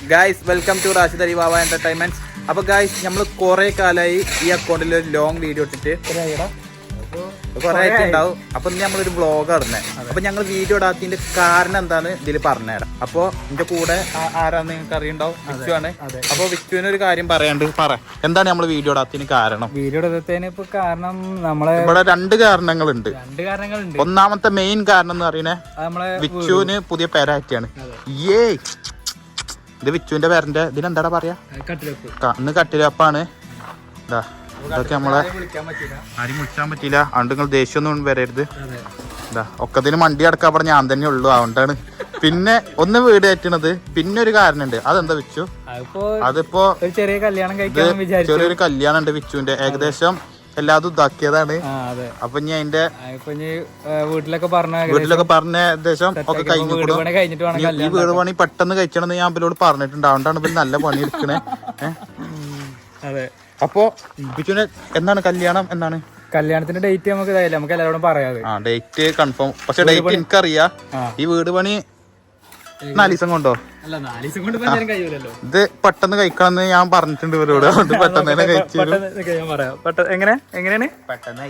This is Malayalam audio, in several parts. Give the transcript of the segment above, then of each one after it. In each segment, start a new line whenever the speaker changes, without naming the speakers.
Guys welcome to Rashid Ali Baba entertainments. അപ്പൊ ഗൈസ് നമ്മൾ കുറെ കാലമായി ഈ അക്കൗണ്ടിൽ ഒരു ലോങ് വീഡിയോ ഇട്ടിട്ട് കുറെ ആയിട്ട് ഉണ്ടാവും. അപ്പൊ നമ്മളൊരു വ്ളോഗ് ഇടുന്നേ. അപ്പൊ ഞങ്ങൾ വീഡിയോ ഇടാത്തതിന്റെ കാരണം എന്താന്ന് ഇതിൽ പറഞ്ഞുതരാം. അപ്പൊ എന്റെ കൂടെ ആരാന്ന് നിങ്ങൾക്ക് അറിയുണ്ടാവും, വിച്ചു ആണ്. അപ്പൊ വിച്ചുവിന് ഒരു കാര്യം പറയാണ്ട് പറ, എന്താണ് നമ്മൾ വീഡിയോ ഇടാത്തതിന് കാരണം?
വീഡിയോ ഇടത്തിന് ഇപ്പൊ കാരണം നമ്മളെ
ഇവിടെ രണ്ട് കാരണങ്ങളുണ്ട്. ഒന്നാമത്തെ മെയിൻ കാരണം എന്ന് പറയുന്നേ വിച്ചുവിന് പുതിയ പെരാറ്റിയാണ്. ഇത് വിച്ചുവിന്റെ പേരന്റെ ഇതിനെന്താ പറയാ, ഇന്ന് കട്ടിലപ്പാണ്. ഇതൊക്കെ നമ്മളെ ആരും വിളിക്കാൻ പറ്റില്ല, അതുകൊണ്ട് നിങ്ങൾ ദേഷ്യമൊന്നും വരരുത്. ഒക്കത്തിന് മണ്ടി അടക്കാൻ പറഞ്ഞ ഞാൻ തന്നെ ഉള്ളു, അതുകൊണ്ടാണ്. പിന്നെ ഒന്ന് വീട് കയറ്റണത്. പിന്നെ ഒരു കാരണമുണ്ട്, അതെന്താ വിച്ചു? അതിപ്പോ ചെറിയൊരു കല്യാണം ഉണ്ട് വിച്ചുവിന്റെ. ഏകദേശം എല്ലാതും ഇതാക്കിയതാണ്. അപ്പൊ ഇനി അതിന്റെ വീട്ടിലൊക്കെ പറഞ്ഞ ഏകദേശം ഒക്കെ കഴിഞ്ഞിട്ട് ഈ വീട് പണി പെട്ടെന്ന് കഴിച്ചണെന്ന് ഞാൻ അവരോട് പറഞ്ഞിട്ടുണ്ട്. അതുകൊണ്ടാണ് ഇപ്പൊ നല്ല പണി എടുക്കണേ. അപ്പൊ വിച്ചുവിന് എന്താണ് കല്യാണം? എന്താണ്
കല്യാണത്തിന്റെ ഡേറ്റ്? നമുക്ക് എല്ലാവരോടും പറയാതെ
ഡേറ്റ് കൺഫേം. പക്ഷെ ഡേറ്റ് എനിക്കറിയാം. ഈ വീട് പണി 4 ദിവസം കൊണ്ടോ? ഇത് പെട്ടെന്ന് കഴിക്കണമെന്ന് ഞാൻ പറഞ്ഞിട്ടുണ്ട് ഇവരോട്. അതുകൊണ്ട് പെട്ടെന്ന് തന്നെ കഴിച്ചു.
എങ്ങനെയാണ്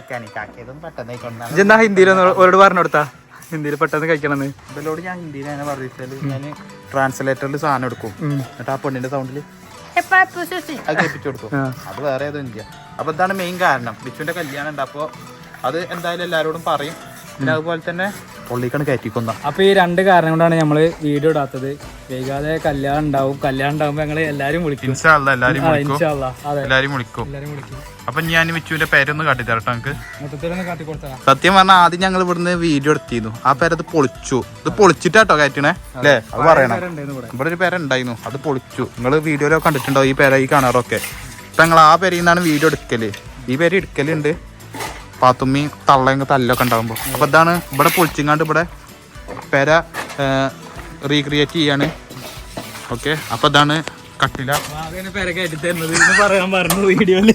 എന്താ ഹിന്ദിയിൽ അവരോട് പറഞ്ഞു കൊടുത്താ? ഹിന്ദിയിൽ പെട്ടെന്ന് കഴിക്കണമെന്ന്
ഇവരോട് ഞാൻ ഹിന്ദിയിൽ അങ്ങനെ പറഞ്ഞാല് ഞാൻ ട്രാൻസ്ലേറ്ററിൽ സാധനം എടുക്കും. എന്നിട്ട് ആ പെണ്ണിന്റെ സൗണ്ടില് അത് കേൾപ്പിച്ചു കൊടുക്കും. അത് വേറെ ഏതോ ഇല്ല. അപ്പൊ ഇതാണ് മെയിൻ കാരണം. വിച്ചുവിന്റെ കല്യാണം ഉണ്ട്. അപ്പൊ അത് എന്തായാലും എല്ലാരോടും പറയും. പിന്നെ അതുപോലെ തന്നെ പൊള്ളിക്കാണ് കയറ്റിക്കുന്ന.
അപ്പൊ ഈ രണ്ട് കാരണം കൊണ്ടാണ് നമ്മള് വീഡിയോ ഇടാത്തത്. വൈകാതെ കല്യാണം ഉണ്ടാവുമ്പോ ഞങ്ങള് എല്ലാരും വിളിക്കും.
എല്ലാരും വിളിക്കും. അപ്പൊ ഞാൻ വിച്ചുവിന്റെ പേരൊന്ന് കാട്ടിത്തരട്ടോ നമുക്ക്. സത്യം പറഞ്ഞാൽ ആദ്യം ഞങ്ങൾ ഇവിടുന്ന് വീഡിയോ എടുത്തിരുന്നു. ആ പേരത് പൊളിച്ചു. ഇത് പൊളിച്ചിട്ടാട്ടോ കയറ്റണേ അല്ലേ? അത് പറയണം. ഇവിടെ ഒരു പേര ഉണ്ടായിരുന്നു, അത് പൊളിച്ചു. നിങ്ങൾ വീഡിയോയിലൊക്കെ കണ്ടിട്ടുണ്ടാവും ഈ പേര, ഈ കാണാറൊക്കെ. ഇപ്പൊ ഞങ്ങൾ ആ പേരിൽ നിന്നാണ് വീഡിയോ എടുക്കല്. ഈ പേര് എടുക്കലുണ്ട് പാത്തുമ്മി തള്ളയും തല്ലൊക്കെ ഉണ്ടാകുമ്പോ. അപ്പൊ ഇതാണ് ഇവിടെ പൊളിച്ചിങ്ങാണ്ട് ഇവിടെ പേര റീക്രിയേറ്റ് ചെയ്യാണ്. ഓക്കെ, അപ്പൊ ഇതാണ് കട്ടില.
പറയാൻ പറഞ്ഞു വീഡിയോയില്.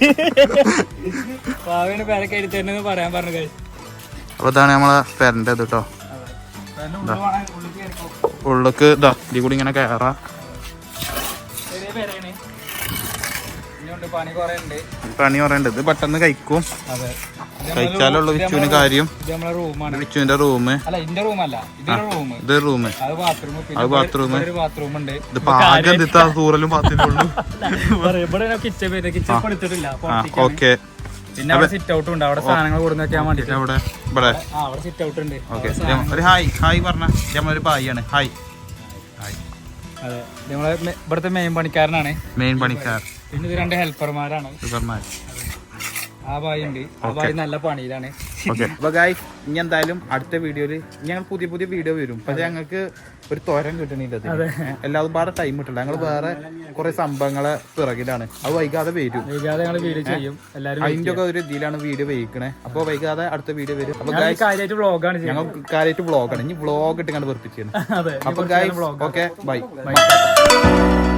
പറയാൻ പറഞ്ഞു.
അപ്പൊ ഇതാണ് നമ്മളെ പേരന്റെ ഇത് കേട്ടോ. ഉള്ളിക്ക് ഇതാ ഇതിൽ കൂടി ഇങ്ങനെ കയറാ. പണി കുറേണ്ട്. ഇത് പെട്ടെന്ന് കഴിക്കും. കഴിച്ചാലുള്ള വിച്ചുവിന് കാര്യം. വിച്ചുവിന്റെ റൂം, ഇത് റൂം, അത് ബാത്റൂം. ഇത് പാകം തൂറലും ബാത്റൂമുള്ളൂ. ഓക്കെ,
പിന്നെ അവിടെ സിറ്റ് ഔട്ട് ഉണ്ട്. അവിടെ സാധനങ്ങൾ കൊടുക്കാൻ വേണ്ടി
ഇവിടെ
സിറ്റ് ഔട്ട് ഉണ്ട്.
ഒരു ഹായ് പറഞ്ഞ നമ്മളൊരു പായാണ്. ഹായ്.
അതെ, നമ്മളെ ഇവിടുത്തെ മെയിൻ പണിക്കാരനാണ്.
മെയിൻ പണിക്കാർ.
പിന്നെ ഇത് 2 ഹെൽപ്പർമാരാണ്. ആ ബായി ഉണ്ട്. ആ ബായി നല്ല പണിയിലാണ്.
അപ്പൊ ഗൈസ് ഇനി എന്തായാലും അടുത്ത വീഡിയോയില് ഞങ്ങൾ പുതിയ വീഡിയോ വരും. പക്ഷെ ഞങ്ങൾക്ക് ഒരു തോരൻ കിട്ടണില്ല. എല്ലാതും വേറെ ടൈം കിട്ടില്ല. ഞങ്ങൾ വേറെ കുറെ സംഭവങ്ങളെ പിറകിലാണ്. അത് വൈകാതെ വരും. അതിന്റെ ഒക്കെ ഒരു ഇതിലാണ് വീഡിയോ വഹിക്കണേ. അപ്പൊ വൈകാതെ അടുത്ത വീഡിയോ വരും. അപ്പൊ ഞങ്ങൾ കാര്യമായിട്ട് വ്ളോഗാണ്. ഇനി വ്ളോഗ് ഇട്ട് കണ്ട് വെറുപ്പിച്ചു. അപ്പൊ ഗൈസ് ഓക്കെ, ബൈ.